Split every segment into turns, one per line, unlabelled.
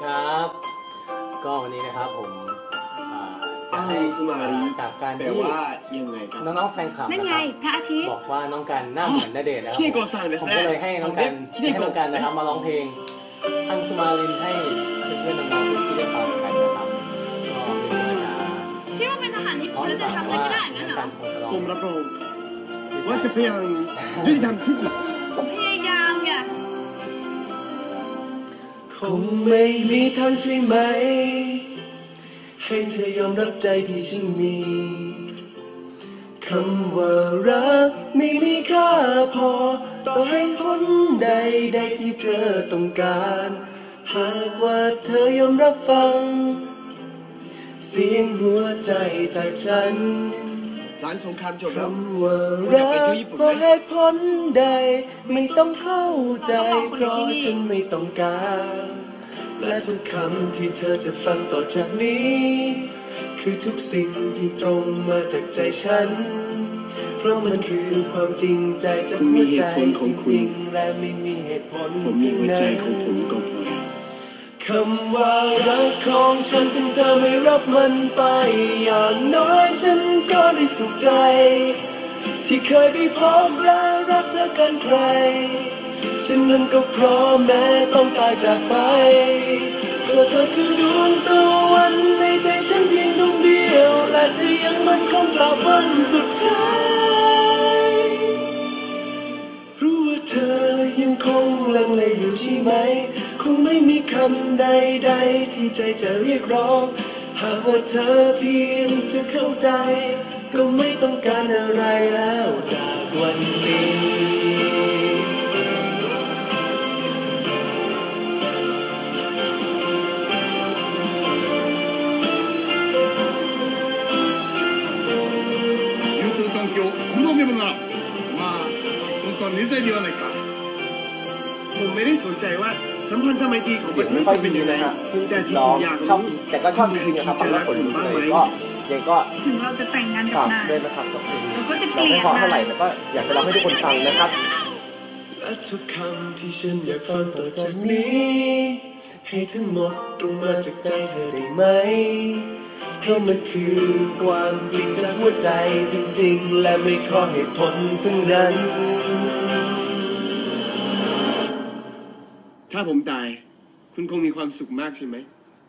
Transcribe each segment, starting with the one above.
ครับก็วันนี้นะครับผมจะให้จากการที่น้องๆแฟนคลับนะครับบอกว่าน้องกันหน้าเหมือนณเดชน์นะครับผมก็เลยให้น้องกันนะครับมาร้องเพลงอังสุมารินให้เพื่อนๆน้องๆที่ได้ฟังกันนะครับก็ไม่รู้ว่าจะ
คิดว่าเป็นทหารญี่ปุ่นจะทำอะไรได้งั้นเหรอ
ผมรับรองว่าจะพยายามยุติธรรมที่สุด
พยายามไง
คงไม่มีทางใช่ไหมให้เธอยอมรับใจที่ฉันมีคำว่ารักไม่มีค่าพอต่อให้ผลใดที่เธอต้องการหากว่าเธอยอมรับฟังเสียงหัวใจจากฉัน
ร้านสงครามจบ
คำว่ารักเพราะเหตุผลใดไม่ต้องเข้าใจเพราะฉันไม่ต้องการและทุกคำที่เธอจะฟังต่อจากนี้คือทุกสิ่งที่ตรงมาจากใจฉันเพราะมันคือความจริงใจจากหัวใจจริงๆและไม่มีเหตุผลที่ไหนคำว่ารักของฉันถึงเธอไม่รับมันไปอย่างน้อยฉันก็ได้สุขใจที่เคยได้พบและรักเธอกันใครฉันนั้นก็พร้อมแม้ต้องตายจากไปก็เธอคือดวงตะวันในใจฉันเพียงดวงเดียวและเธอยังมั่นคงตราบวันสุดท้ายรู้ว่าเธอยังคงลังเลอยู่ใช่ไหมคงไม่มีคำใดที่ใจจะเรียกร้องหากว่าเธอเพียงจะเข้าใจก็ไม่ต้องการอะไรแล้วจากวันนี้
ผมไม่ได้สนใจว่าสัมพันธไมตรีของประเทศ
ไม่ค่อยดีนะครับแต่ที่อยากชอบแต่ก็ชอบจริงๆนะครับฟังแล้วขนลุกเลยก็ยังก็
ถึงเราจะแต่งงานกับนาย
ด้วยนะครับกับเพลง
เราก็จะเป
ลี่ยนไม่พอเท่าไหร่แต่ก็อยากจะร้องให้ทุกคนฟังนะครับและทุกคำที่ฉันอยากฟังต่อจากนี้ให้ทั้งหมดตรงมาจากใจเธอได้ไหมเพราะมันคือความจริงจากหัวใจจริงๆและไม่ขอเหตุผลทั้งนั้น
ถ้าผมตายคุณคงมีความสุขมากใช่ไหม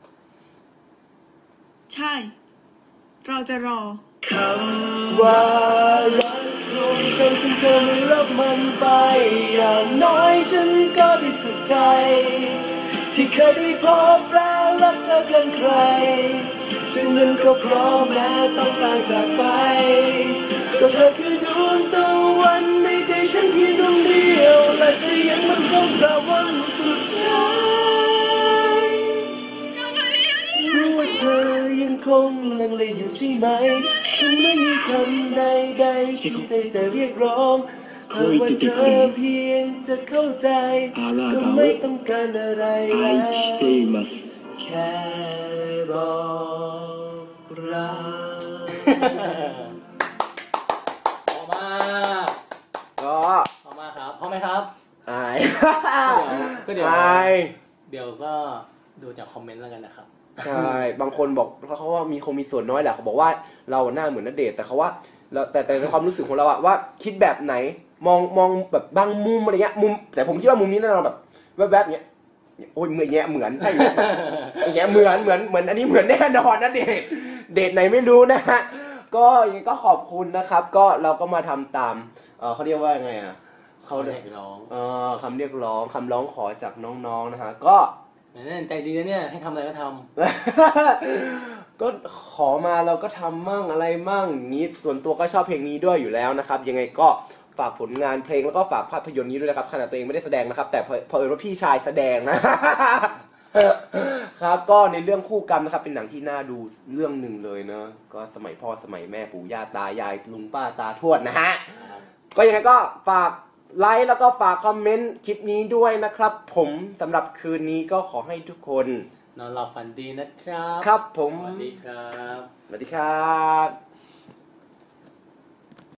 ใช่เราจะรอ
คำว่ารักของฉันถึงเธอไม่รับมันไปอย่างน้อยฉันก็ได้สุขใจที่เคยได้พบและรักเธอกันใครฉันนั้นก็พร้อมแม้ต้องตายจากไปก็เธอคือดวงตะวันในใจฉันเพียงดวงเดียวและเธอยังมั่นคงตราบวันสุดท้ายรู้ว่าเธอยังคงลังเลอยู่ใช่ไหมคงไม่มีคำใดที่ใจจะเรียกร้องหากว่าเธอเพียงจะเข้าใจก็ไม่ต้องการอะไรแล้วแค่บอกรัก
พอมากพอมากครับพอไหมครับ
อาย
ก็เดี๋ยวก็ดูจากคอมเมนต์แล้วกันนะครับ
ใช่บางคนบอกเขาว่ามีส่วนน้อยแหละเขาบอกว่าเราหน้าเหมือนณเดชน์แต่เขาว่าแต่ในความรู้สึกของเราอะว่าคิดแบบไหนมองแบบบางมุมอะไรเงี้ยมุมแต่ผมคิดว่ามุมนี้เราแบบแวบๆเงี้ยโอ้ยเหมือนเหมือนอันนี้เหมือนแน่นอนนะเดทไหนไม่รู้นะฮะก็ขอบคุณนะครับก็เราก็มาทำตามเขาเรียกว่าไงอะ
เขาเรียกร้อง
คำเรียกร้องคำร้องขอจากน้องๆนะฮะก็
นั่นใจดีนะเนี่ยให้ทำอะไรก็ท
ำก็ขอมาเราก็ทำมั่งอะไรมั่งนี้ส่วนตัวก็ชอบเพลงนี้ด้วยอยู่แล้วนะครับยังไงก็ฝากผลงานเพลงแล้วก็ฝากภาพยนตร์นี้ด้วยนะครับขณะตัวเองไม่ได้แสดงนะครับแต่พอว่าพี่ชายแสดงนะครับก็ในเรื่องคู่กรรมนะครับเป็นหนังที่น่าดูเรื่องหนึ่งเลยเนอะก็สมัยพ่อสมัยแม่ปู่ย่าตายายลุงป้าตาทวดนะฮะก็ยังไงก็ฝากไลค์แล้วก็ฝากคอมเมนต์คลิปนี้ด้วยนะครับผมสำหรับคืนนี้ก็ขอให้ทุกคน
นอนหลับฝันดีนะครับ
ครับผม
สวัสดีครับ
สวัสดีครับ